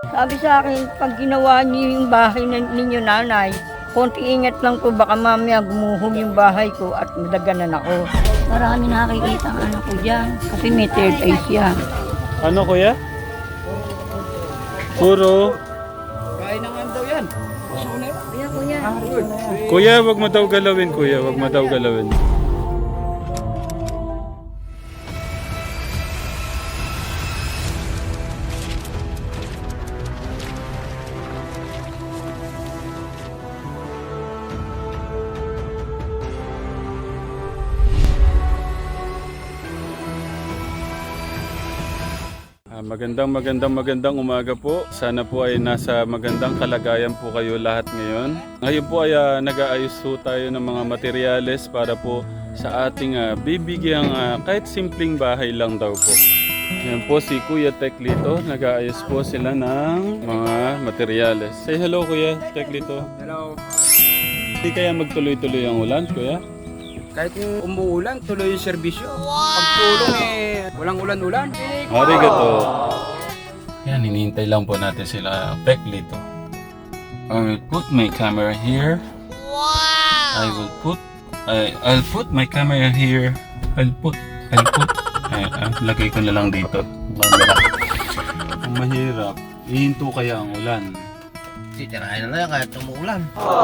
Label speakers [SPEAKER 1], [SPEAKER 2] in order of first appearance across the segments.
[SPEAKER 1] Sabi sa akin, pag ginawa niyo yung bahay ninyo nanay, konti ingat lang po, baka mamaya gumuhog yung bahay ko at madaganan ako. Marami nakikita ang anak ko dyan, kasi may third eye siya.
[SPEAKER 2] Ano kuya? Puro.
[SPEAKER 3] Kain naman daw yan.
[SPEAKER 1] Kuya, kuya.
[SPEAKER 2] Kuya, wag mo daw galawin kuya, wag mo daw galawin. Magandang umaga po. Sana po ay nasa magandang kalagayan po kayo lahat ngayon. Ngayon po ay nag-aayos po tayo ng mga materyales para po sa ating bibigyang kahit simpleng bahay lang daw po. Yan po si Kuya Teklito. Nag-aayos po sila ng mga materyales. Say hello Kuya Teklito.
[SPEAKER 3] Hello.
[SPEAKER 2] Hindi kaya magtuloy-tuloy ang ulan Kuya?
[SPEAKER 3] Kahit yung umuulan, tuloy yung serbisyo. Pag tulong walang ulan-ulan.
[SPEAKER 2] Arigato. Yan, hinihintay lang po natin sila Teklito. I will put my camera here. Wow! I'll put my camera here. I'll put. Lagay ko na lang dito. Banda. Ang mahirap. Ihinto kaya ang ulan.
[SPEAKER 4] Titirahin na lang kahit umuulan.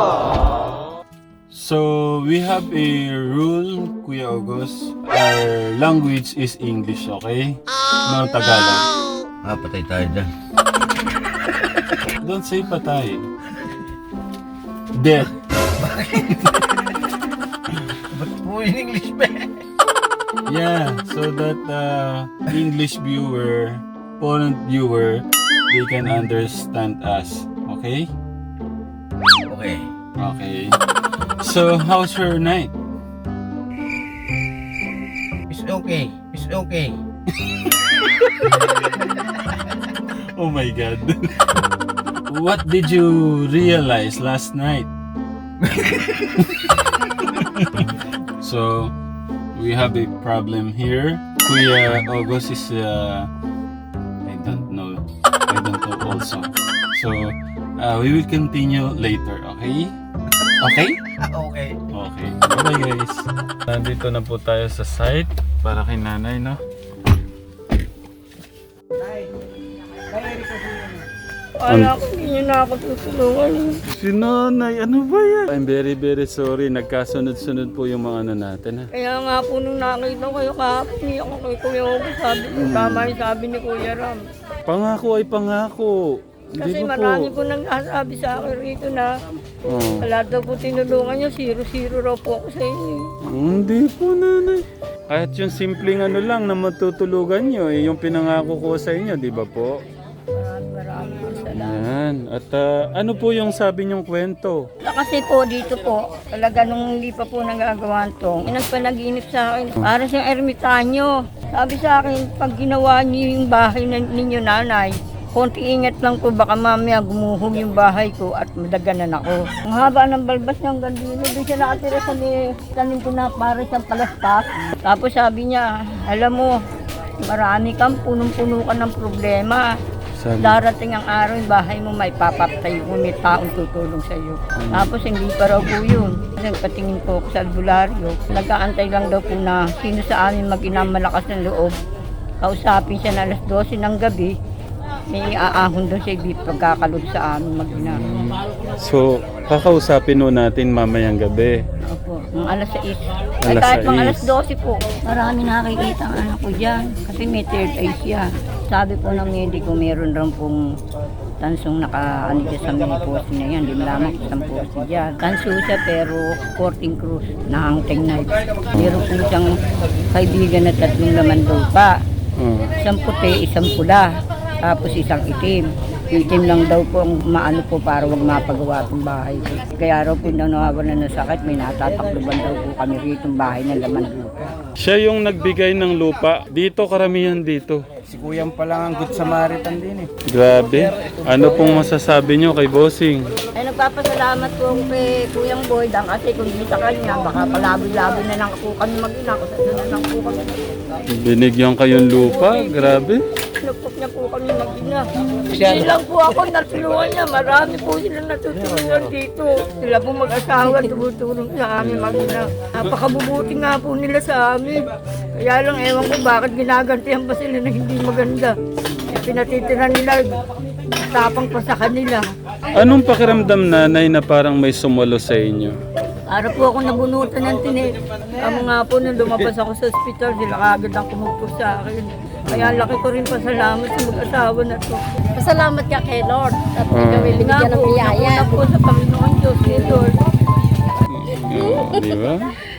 [SPEAKER 2] So, we have a rule, Kuya August. Our language is English, okay? No Tagalog.
[SPEAKER 4] Patay tayo dyan.
[SPEAKER 2] Don't say patay. Death.
[SPEAKER 4] Ba't po in English ba?
[SPEAKER 2] Yeah, so that English viewer, foreign viewer, they can understand us. Okay?
[SPEAKER 4] Okay.
[SPEAKER 2] Okay. So, how's your night?
[SPEAKER 4] It's okay. It's okay.
[SPEAKER 2] Oh my God. What did you realize last night? So, we have a problem here. Kuya August is, I don't know also. So, we will continue later, okay? Okay?
[SPEAKER 4] Okay.
[SPEAKER 2] Okay. Bye guys. Nandito na po tayo sa site para kay nanay, no?
[SPEAKER 1] Kala ko hindi niyo na ako tutulungan.
[SPEAKER 2] Si nanay, ano ba yan? I'm very sorry. Nagkasunod-sunod po yung mga ano natin, ha?
[SPEAKER 1] Kaya nga po nung nakita ko kayo kahapon, niya ako kay Kuya Ogo, sabi ko, tama yung sabi ni Kuya Ram.
[SPEAKER 2] Pangako ay pangako.
[SPEAKER 1] Kasi
[SPEAKER 2] Hindi ba
[SPEAKER 1] marami
[SPEAKER 2] po?
[SPEAKER 1] po nagsasabi sa akin rito na
[SPEAKER 2] Oh.
[SPEAKER 1] wala daw po tinulungan niyo, 0-0 raw po ako sa inyo.
[SPEAKER 2] Hindi po, nanay. Kahit yung simpleng ano lang na matutulugan nyo, yung pinangako ko sa inyo, di ba po?
[SPEAKER 1] Maraming po salamat.
[SPEAKER 2] Yan. At ano po yung sabi niyong kwento?
[SPEAKER 1] Kasi po dito po, talaga nung hindi pa po nagagawa to, nagpanaginip sa akin, para siyang ermitanyo. Sabi sa akin, pag ginawa niyo yung bahay ninyo nanay, konti ingat lang po, baka mamaya gumuhog yung bahay ko at madaganan ako. Ang haba ng balbas niyang gandino, doon siya nakatira sa tanim ko na para siyang palaspas. Tapos sabi niya, alam mo, marami kang punong-puno ka ng problema.
[SPEAKER 2] Sabi,
[SPEAKER 1] Darating ang araw, yung bahay mo may papapatay mo, may taong tutulong sa iyo. Tapos hindi pa raw po yun. Nagpatingin po ako sa albularyo. Nag-aantay lang daw po na sino sa amin mag-inang malakas ng loob. Kausapin siya na alas 12 ng gabi. May aahon doon siya pagkakalod sa amin mag-inang.
[SPEAKER 2] so, kakausapin ho natin mamayang gabi.
[SPEAKER 1] Opo, ng alas 6. Ay
[SPEAKER 2] Alas
[SPEAKER 1] kahit mga
[SPEAKER 2] 6.
[SPEAKER 1] alas 12 po. Marami nakikita ang anak ko dyan. Kasi may third eye siya. Sabi po ng mediko, meron rin pong tansong nakaano dyan sa menopause na yan. Di malaman kung saan po siya. Tanso siya pero 14 cruz na hunting knife. Meron po siyang kaibigan na 3 laman lupa.
[SPEAKER 2] Oh.
[SPEAKER 1] Isang puti, isang pula. Tapos isang itim. Itim lang daw po ang maano po para wag mapagawa itong bahay. Kaya raw po nawawalan ng sakit, may natatakluban daw po kami rito ng bahay ng laman lupa.
[SPEAKER 2] Siya yung nagbigay ng lupa. Dito, karamihan dito.
[SPEAKER 3] Si Kuyang pa lang ang good Samaritan din eh.
[SPEAKER 2] Grabe. Ano pong masasabi nyo kay Bossing?
[SPEAKER 1] Ay nagpapasalamat po ako kay Kuyang Boydang kasi kung di sa kanya, baka palaboy-laboy na lang po kami mag-ina. Kung saan na lang po kami.
[SPEAKER 2] Binigyan kayong lupa? Grabe.
[SPEAKER 1] Ano po niya po kami mag-ina. Hindi lang po ako natulungan niya. Marami po sila natutulungan dito. Sila po mag-asawa, tumutulong sa amin mag-ina. Napakabubuti nga po nila sa amin. Kaya lang ewan ko bakit ginagantihan pa sila na hindi maganda. Pinatitira nila, tapang pa sa kanila.
[SPEAKER 2] Anong pakiramdam, nanay, na parang may sumalo sa inyo?
[SPEAKER 1] Para po ako nabunutan ng tinik. Kamo nga po nung lumabas ako sa ospital, sila kagad ang kumugpo sa akin. Kaya laki ko rin pasalamat sa mag-asawa na to.
[SPEAKER 5] Pasalamat ka kay Lord at
[SPEAKER 1] Nga
[SPEAKER 5] ikaw ay binigyan ng
[SPEAKER 1] po,
[SPEAKER 5] biyaya.
[SPEAKER 1] nauna po sa Panginoon Diyos ni Lord.
[SPEAKER 2] Di ba?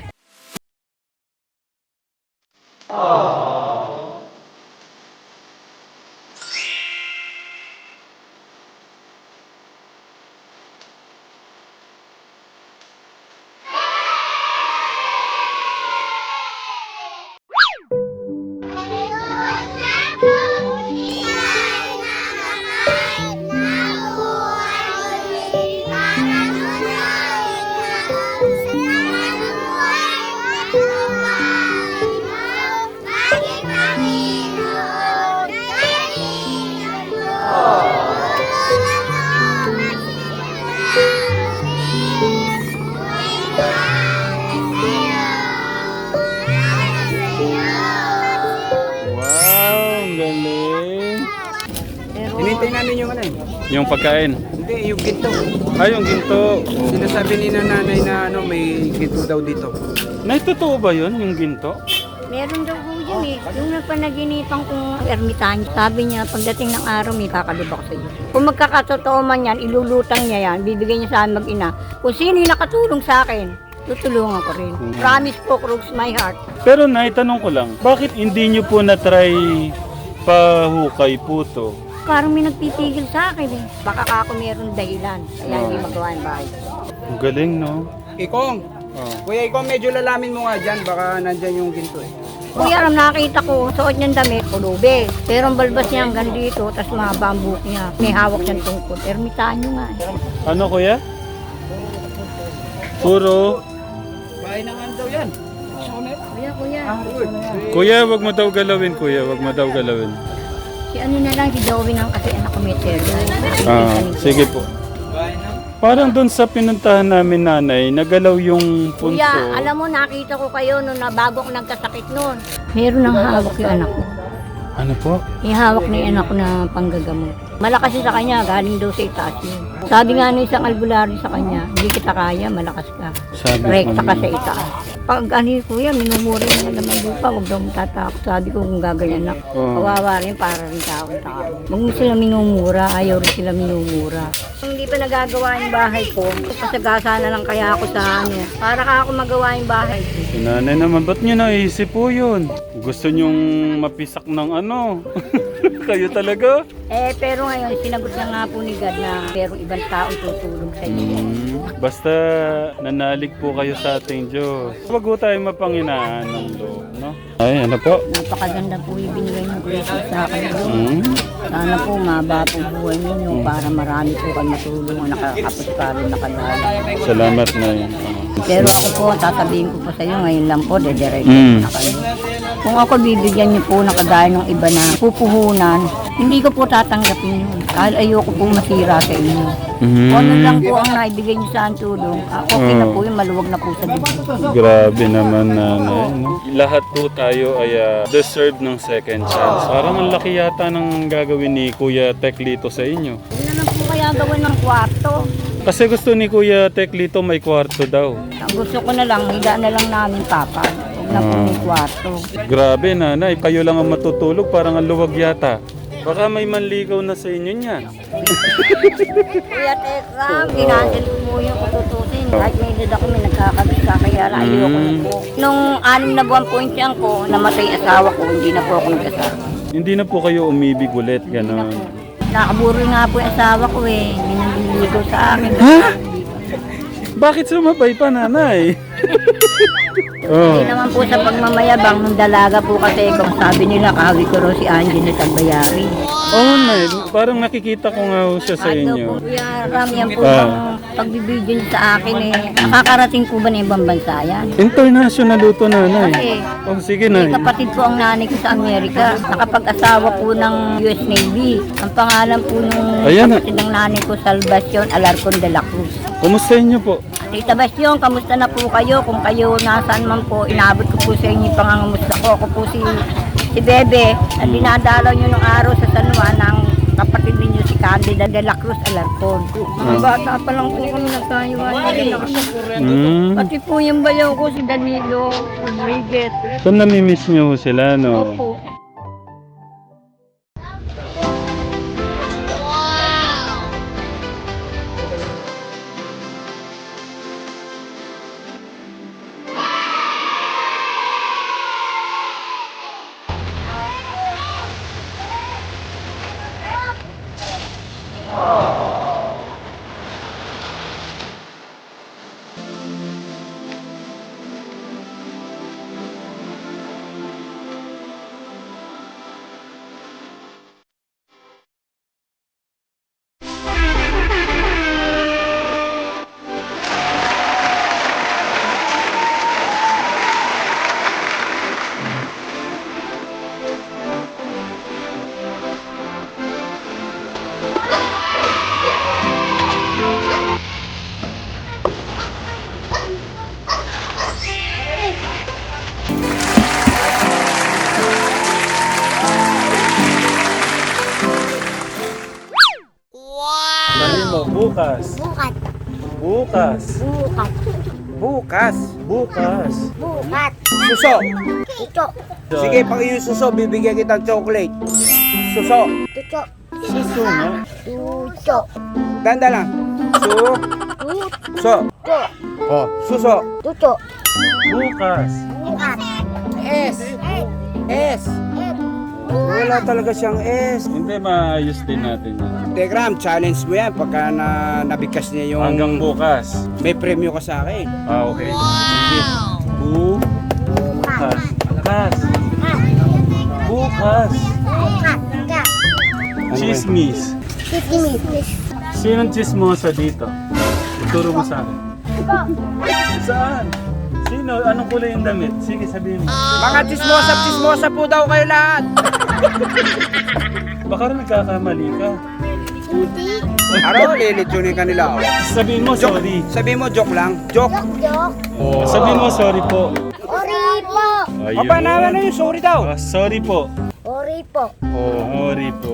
[SPEAKER 2] Wow, ang galing.
[SPEAKER 3] Hinintay namin yung ano eh.
[SPEAKER 2] Yung pagkain.
[SPEAKER 3] Hindi, yung ginto.
[SPEAKER 2] Ay, yung ginto.
[SPEAKER 3] Sinasabi ni nanay na ano, may ginto daw dito.
[SPEAKER 2] Nay, totoo ba yun, yung ginto?
[SPEAKER 1] Meron daw po yun eh. Yung nagpanaginipan kong ermitanyo, sabi niya, pagdating ng araw, may kakalibak sa iyo. Kung magkakatotoo man yan, ilulutang niya yan, bibigyan niya sa akin mag-ina. Kung sino yung nakatulong sa akin, tutulungan ko rin. Promise po, Crooks my heart.
[SPEAKER 2] Pero nay, tanong ko lang, bakit hindi nyo po na-try pahukay po to?
[SPEAKER 1] Parang may nagpipigil sa akin eh. Baka ako meron dahilan, kaya hindi magawa yung bahay.
[SPEAKER 2] Ang galing, no?
[SPEAKER 3] Ikong,
[SPEAKER 2] Oh.
[SPEAKER 3] kuya Ikong, medyo lalamin mo nga dyan. Baka nandyan yung ginto eh.
[SPEAKER 1] Kuya, alam nakita ko, suot niyang damit, pulube. Pero ang balbas niya hanggang dito, tapos mahaba ang buhok niya. May hawak siyang tungkol. Ermitanyo nga eh.
[SPEAKER 2] Ano, kuya? Puro.
[SPEAKER 3] Bahay na nga daw yan.
[SPEAKER 1] Kuya.
[SPEAKER 2] Kuya, wag mo daw galawin, kuya. Wag mo daw galawin.
[SPEAKER 1] Si ano na lang, si Joey ang kasi anak ko may terno.
[SPEAKER 2] Sige po. Parang doon sa pinuntahan namin, nanay, nagalaw yung punso.
[SPEAKER 1] Kuya, alam mo, nakita ko kayo nung bago ako nagkasakit noon. Meron ng hawak yung anak ko.
[SPEAKER 2] Ano po?
[SPEAKER 1] May hawak na yung anak ko na panggagamot. Malakas yun sa kanya, galing daw sa itaas yun. Sabi nga ng isang albularyo sa kanya, hindi kita kaya, malakas ka.
[SPEAKER 2] Sabi ko
[SPEAKER 1] Rekta ka
[SPEAKER 2] niya.
[SPEAKER 1] sa itaas. Pag ano yun, kuya, minumuri mo naman lupa, huwag daw matatakot. Sabi ko kung gaganyan na,
[SPEAKER 2] Oo.
[SPEAKER 1] kawawa rin para rin tao. Huwag mo sila minumura, ayaw rin sila minumura. Kung hindi pa nagagawa yung bahay ko, pasagasa na lang kaya ako sa ano, para ka ako magawa yung bahay ko.
[SPEAKER 2] Si nanay naman, ba't nyo naisip po yun? Gusto nyong mapisak ng ano? Kayo talaga?
[SPEAKER 1] Pero ngayon, sinagot na nga po ni God na pero ibang tao tutulong sa inyo.
[SPEAKER 2] Basta nanalig po kayo sa ating Diyos. Huwag po tayo mapanginaan ng loob, no? Ay, ano po?
[SPEAKER 1] Napakaganda po yung binigay ng grace sa akin. Lord.
[SPEAKER 2] Hmm?
[SPEAKER 1] Sana po maba po buhay ninyo para marami po kayo matulungan, nakakapos pa rin nakalala.
[SPEAKER 2] Salamat na yun.
[SPEAKER 1] Pero ako po, sasabihin ko po sa iyo, ngayon lang po, dediretso
[SPEAKER 2] Mm.
[SPEAKER 1] na kayo. Kung ako bibigyan niyo po na kagaya ng iba na pupuhunan, hindi ko po tatanggapin yun. Dahil ayoko po masira sa inyo.
[SPEAKER 2] Mhm.
[SPEAKER 1] Kung ano lang po ang naibigay niyo sa akin tulong, okay na po yun, maluwag na po sa dibdib.
[SPEAKER 2] Grabe naman, nanay. No? Lahat po tayo ay deserve ng second chance. Parang ang laki yata ng gagawin ni Kuya Teklito sa inyo.
[SPEAKER 1] Ano na lang po kaya gawin ng kwarto?
[SPEAKER 2] Kasi gusto ni Kuya Teklito may kwarto daw.
[SPEAKER 1] Ang gusto ko na lang, higa na lang namin papa. Huwag na po may kwarto.
[SPEAKER 2] Grabe, nanay. Kayo lang ang matutulog. Parang ang luwag yata. Baka may manligaw na sa inyo niyan.
[SPEAKER 1] Kuya Tekram, ginansil mo yung kututusin. Kahit may edad ako, may nagkakabisa, kaya ayoko na po. Nung 6 na buwan po yung tiyang ko, namatay asawa ko, hindi na po ako nag-asawa.
[SPEAKER 2] Hindi na po kayo umibig ulit,
[SPEAKER 1] Hindi na
[SPEAKER 2] gano'n.
[SPEAKER 1] po. Nakaburo nga po yung asawa ko eh. Hindi na nililigaw sa akin.
[SPEAKER 2] Bakit sumabay pa, nanay? Oh.
[SPEAKER 1] Hindi naman po sa pagmamayabang ng dalaga po kasi kung sabi nila, kahawi ko raw si Angie na Tagbayari.
[SPEAKER 2] Oo, Nay. Parang nakikita ko nga ho siya sa
[SPEAKER 1] Ano po,
[SPEAKER 2] inyo.
[SPEAKER 1] Kuya Ram, yan po
[SPEAKER 2] Ah.
[SPEAKER 1] ang pagbibideo niyo sa akin eh. Nakakarating po ba na ibang bansa yan?
[SPEAKER 2] International luto, Nanay.
[SPEAKER 1] Kasi,
[SPEAKER 2] Oh, sige, Nay.
[SPEAKER 1] kapatid po ang nanay ko sa Amerika. Nakapag-asawa po ng US Navy. Ang pangalan po nung
[SPEAKER 2] Ayan,
[SPEAKER 1] kapatid ng nanay ko, Salvacion Alarcon de la Cruz.
[SPEAKER 2] Kumusta niyo po?
[SPEAKER 1] Tita Bastion, kamusta na po kayo? Kung kayo nasaan man po, inabot ko po sa inyo yung pangangamusta ko. Ako po si Bebe, na dinadalaw nyo ng araw sa San Juan ng kapatid ninyo si Candida de la Cruz Alarcon. Mga bata pa lang po kami nagkayuhan. Pati po yung bayaw ko si Danilo Rodriguez.
[SPEAKER 2] So, namimiss niyo ho sila, no?
[SPEAKER 1] Opo.
[SPEAKER 2] Sabi mo, bukas.
[SPEAKER 5] Bukat.
[SPEAKER 2] Bukas.
[SPEAKER 5] Bukat.
[SPEAKER 3] Bukas.
[SPEAKER 2] Bukas.
[SPEAKER 5] Bukat.
[SPEAKER 3] Suso.
[SPEAKER 5] Ito.
[SPEAKER 3] Sige, pag yung suso, bibigyan kita ng chocolate. Suso.
[SPEAKER 5] Tuto.
[SPEAKER 2] Suso nga.
[SPEAKER 5] Tuto.
[SPEAKER 3] Ganda lang. So.
[SPEAKER 5] Tuto.
[SPEAKER 3] Oh, suso.
[SPEAKER 5] Tuto.
[SPEAKER 2] Bukas.
[SPEAKER 5] Bukat.
[SPEAKER 3] S. S. Wala talaga siyang S.
[SPEAKER 2] Hindi, maayos din natin yan.
[SPEAKER 3] Telegram, challenge mo yan pagka nabigkas niya yung...
[SPEAKER 2] Hanggang bukas.
[SPEAKER 3] May premyo ka sa akin.
[SPEAKER 2] Okay. Sige. Bukas. Bukas. Bukas.
[SPEAKER 5] Bukat. Ka.
[SPEAKER 2] Chismis.
[SPEAKER 5] Sisimis.
[SPEAKER 2] Sinong chismosa dito? Ituro mo sa akin. Saan? Sino? Anong kulay yung damit? Sige, sabihin mo.
[SPEAKER 3] Mga chismosa po daw kayo lahat.
[SPEAKER 2] Baka rin nagkakamali ka.
[SPEAKER 5] Hindi.
[SPEAKER 3] Aro, lilitsunin ka nila. Oh.
[SPEAKER 2] Sabihin mo sorry.
[SPEAKER 3] Sabihin mo, joke lang. Joke.
[SPEAKER 5] Jok.
[SPEAKER 2] Sabihin mo sorry po.
[SPEAKER 5] Ori po.
[SPEAKER 3] O, naman na yung sorry daw.
[SPEAKER 2] Sorry po.
[SPEAKER 5] Ori po.
[SPEAKER 2] Sorry po.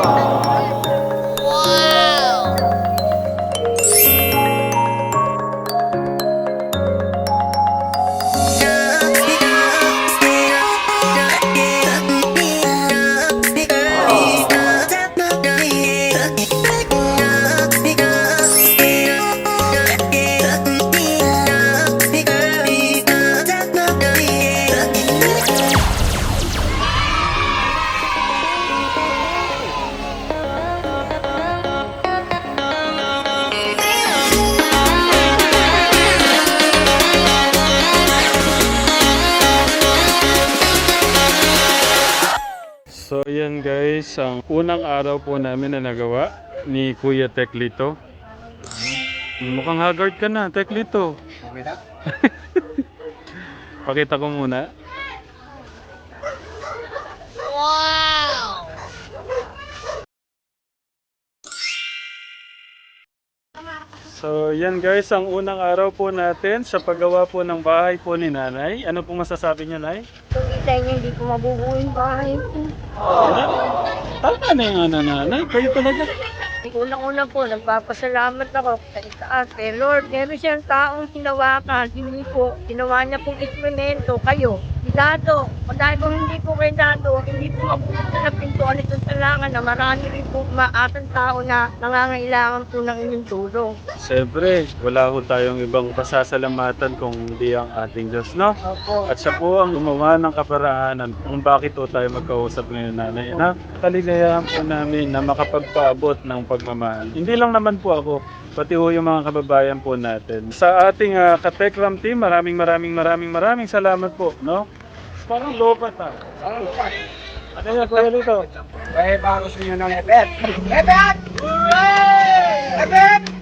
[SPEAKER 2] So yan guys, ang unang araw po namin na nagawa ni Kuya Teklito. Mukhang haggard ka na, Teklito. Pakita ko muna. So yan guys, ang unang araw po natin sa paggawa po ng bahay po ni Nanay. Ano pong masasabi niyo, Nay?
[SPEAKER 1] Kung kita niyo, hindi ko mabubuo yung bahay ko.
[SPEAKER 2] Tama na yung Nanay, kayo talaga.
[SPEAKER 1] Unang-una po, nagpapasalamat ako sa itaas. Kay Lord, meron siyang taong hinawakan. Hindi po, ginawa niya pong instrumento, kayo. Si Dado, dahil kung hindi po kay Dado, hindi po mabuti na pintuan ito sa langan na marami rin po maatang tao na nangangailangan po ng inyong tulong.
[SPEAKER 2] Siyempre, wala ho tayong ibang pasasalamatan kung hindi ang ating Diyos, no?
[SPEAKER 1] Opo.
[SPEAKER 2] At siya po ang gumawa ng kaparaanan kung bakit po tayo magkausap ngayon, Nanay. Na kaligayahan po namin na makapagpaabot ng pagmamahal. Hindi lang naman po ako, pati ho yung mga kababayan po natin. Sa ating Katekram team, maraming salamat po, no? Parang lobat
[SPEAKER 3] Ano yung kuya dito? Eh, baka gusto nyo ng epet. Epet! Epet!